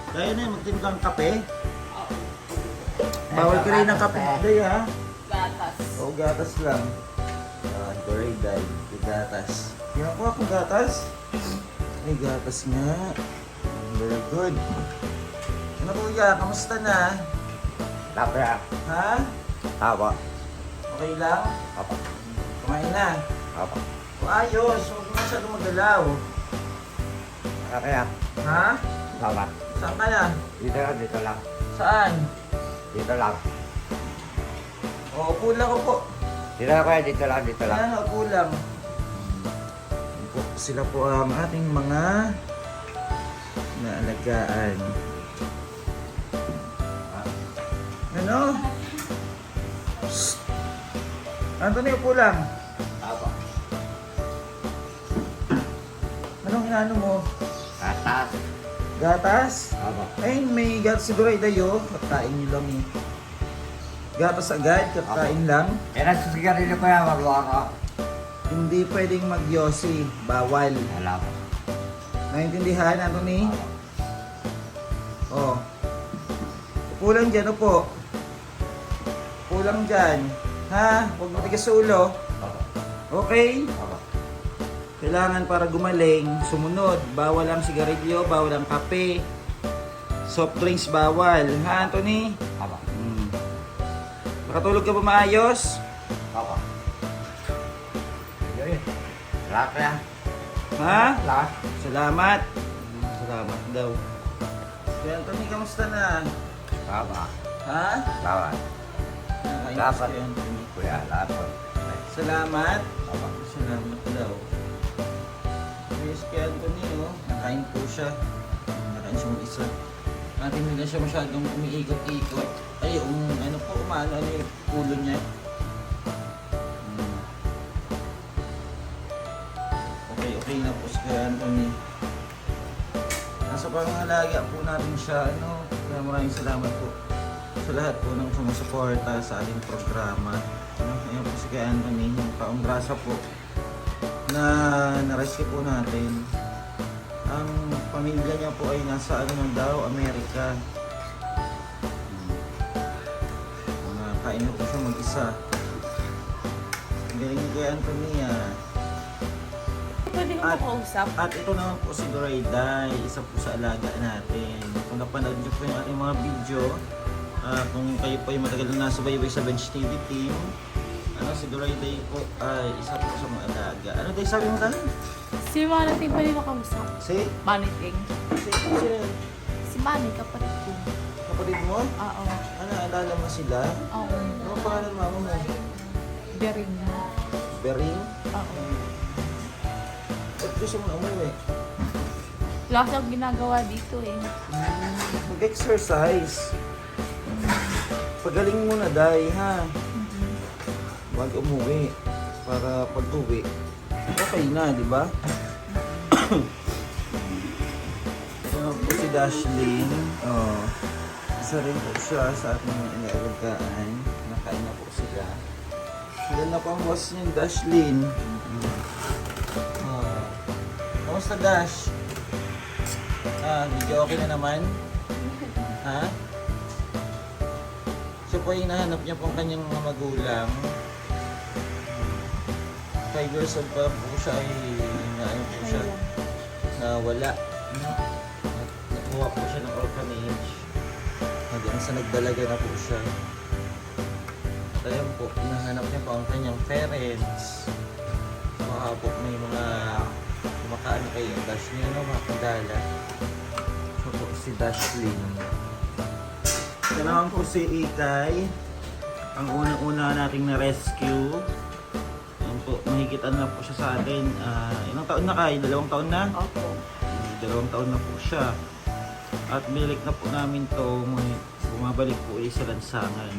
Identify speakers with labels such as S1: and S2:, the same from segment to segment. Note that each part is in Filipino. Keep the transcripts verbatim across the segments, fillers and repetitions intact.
S1: Kaya na yung magtimplang kape. Bawal ka rin ng kape. Day ha?
S2: Gatas.
S1: Oo, gatas lang. Ah, Doray day. Yung gatas. Kaya ko akong gatas. Ay, gatas nga. Very good. Ano kuya? Kamusta na?
S3: Tapos,
S1: Ha?
S3: apa,
S1: Okay lang?
S3: apa,
S1: Kumain na.
S3: apa.
S1: O, ayos. Huwag mo masyadong magalaw.
S3: Kaya,
S1: Ha?
S3: apa,
S1: Saan ka na?
S3: dito lang, dito lang,
S1: Saan?
S3: dito lang.
S1: O, upo lang upo.
S3: Dito lang kuya, dito lang, dito lang.
S1: Ayan, upo lang. Po, sila po ang ating mga naalagaan. Ano? Shh. Anthony, upo lang.
S3: Apa,
S1: Anong inaano mo?
S3: atas,
S1: Gatas?
S3: apa.
S1: Ay, may gatas si Doray Dayo. Kakain nyo lang eh. Gatas agad, kakain lang.
S3: Eh, nasa sigarilyo kuya, magluwa ko.
S1: Hindi pwedeng magyosi. Bawal.
S3: Wala ko.
S1: Naintindihan, Anthony?
S3: Apa.
S1: Oh. Upo lang dyan, upo. Upo lang dyan. Ha? Huwag matigas sa ulo.
S3: Apa,
S1: Okay?
S3: apa.
S1: Kailangan para gumaling, sumunod. Bawal ang sigarilyo, bawal ang kape. Soft drinks bawal. Ha, Anthony?
S3: Apa,
S1: Hmm. Nakatulog ka ba maayos?
S3: apa. Yun, wala kuya.
S1: Ha?
S3: Wala.
S1: Salamat. Hmm, Salamat daw. Kaya Anthony, kamusta na?
S3: Apa,
S1: Ha?
S3: lawan.
S1: Nakainis
S3: Dapat.
S1: kay Anthony.
S3: Kuya, lapon.
S1: Salamat.
S3: Apa,
S1: Salamat daw. Yes, kay Anthony, oh. Nakain po siya. Nakain siya mag-isa. Natin hindi na siya masyadong umiikot-ikot. Ay, um, ano po, umano, ano yung ulo niya. Hmm. Okay, okay na po si kay Anthony. Nasa pangalaga po natin siya, ano. Kaya maraming salamat po sa lahat po ng sumusuporta sa ating programa. Ano, ayan po si kay Anthony, yung paumbrasa po na na-rescue po natin. Ang pamilya niya po ay nasa ano na daw, Amerika. Hmm. Mga kain na po siya mag-isa. Ang galing ni Kuya Anthony ah.
S2: Pwede ko
S1: At-
S2: makausap.
S1: At ito naman po si Dorayday, isa po sa alaga natin. Kung napanood niyo po yung ating mga video, ah, kung kayo po ay matagal na nasubaybay sa Bench T V team, ano, si Dorayday po ay isa po sa mga alaga. Ano tayo sabi mo tayo?
S2: Si Maniting pwede makausap.
S1: Si?
S2: Maniting.
S1: Si? Si?
S2: Si Manny, kapatid ko.
S1: Kapatid mo?
S2: Oo.
S1: Ano, alala mo sila?
S2: Oo.
S1: Ano ang pangalan mo mo?
S2: Bering.
S1: Bering?
S2: Oo.
S1: Ba't gusto mo na umuwi?
S2: Wala siyang ginagawa dito eh.
S1: Mag-exercise. Pagaling mo na, Day, ha? Huwag umuwi. Para pag-uwi, okay na, di ba? Ito po si Dashlyn. Oh, isa rin po siya sa ating mga inaalagaan. Nakain na po sila. Ganda pa ang boss niya, Dashlyn. Oh. Kamusta, Dash? Ah, medyo okay na naman? Ha? Siya po ay hinahanap niya po ang kanyang mga magulang. Five years old pa po siya ay na ano po siya, na wala. Nakuha po siya ng orphanage. Hanggang sa nagdalaga na po siya. At ayan po, hinahanap niya po ang kanyang parents. Baka po may mga kumakaano kayo yung dash niya, no? Mga kandala. Ito po si Dashlyn. Ito naman po si Ikay. Ang unang-una nating na-rescue. Ayan po, mahigit ano na po siya sa atin. Ah, ilang taon na kayo? Dalawang taon na?
S2: Opo.
S1: Hmm, Dalawang taon na po siya. At bilik na po namin to. Ngunit bumabalik po ulit sa lansangan.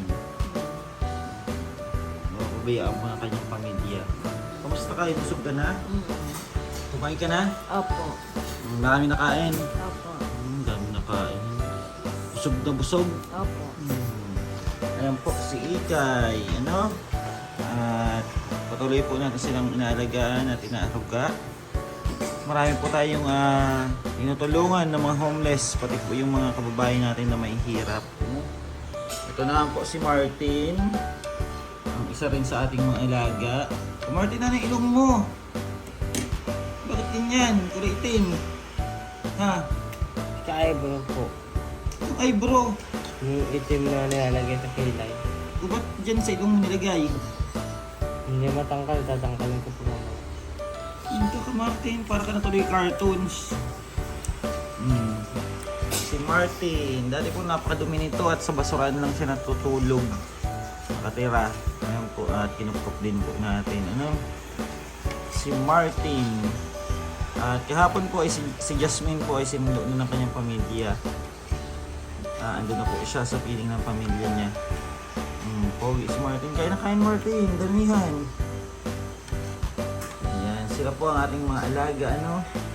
S1: Mapabayaan po ang kanyang pamilya. Kamusta kayo? Busog ka na?
S2: Mm.
S1: Kumain ka na?
S2: Opo.
S1: Hmm, Marami nakain.
S2: Opo.
S1: Hmm, dami nakain. Busog na busog.
S2: Opo.
S1: Hmm. Ayan po si Ikay. Ano? At patuloy po natin silang inaalagaan at inaaruga. marami po tayong ah, tinutulungan ng mga homeless, pati po yung mga kababayan natin na may hirap. Ito na po si Martin, ang isa rin sa ating mga alaga. Oh, Martin, ano yung ilong mo? Bakit ganyan? Kulay itim. Ha?
S4: Ka-eyebrow po.
S1: Yung eyebrow.
S4: Yung itim na nilalagay sa kilay.
S1: O ba't dyan sa ilong mo nilagay?
S4: Hindi matangkal, tatangkalin ko po naman.
S1: Hindi ka, Martin. Para ka natuloy cartoons. Hmm. Si Martin. Dati po napakadumi nito at sa basurahan lang siya natutulog. Nakatira. Ayan po. At kinupkop din po natin. Ano? Si Martin. At kahapon po ay si, si Jasmine po ay sinundo na ng kanyang pamilya. Ah, andun na po siya sa piling ng pamilya niya. Hmm, pogi si Martin. Kain na kain, Martin. Damihan. Ayan, sila po ang ating mga alaga, ano?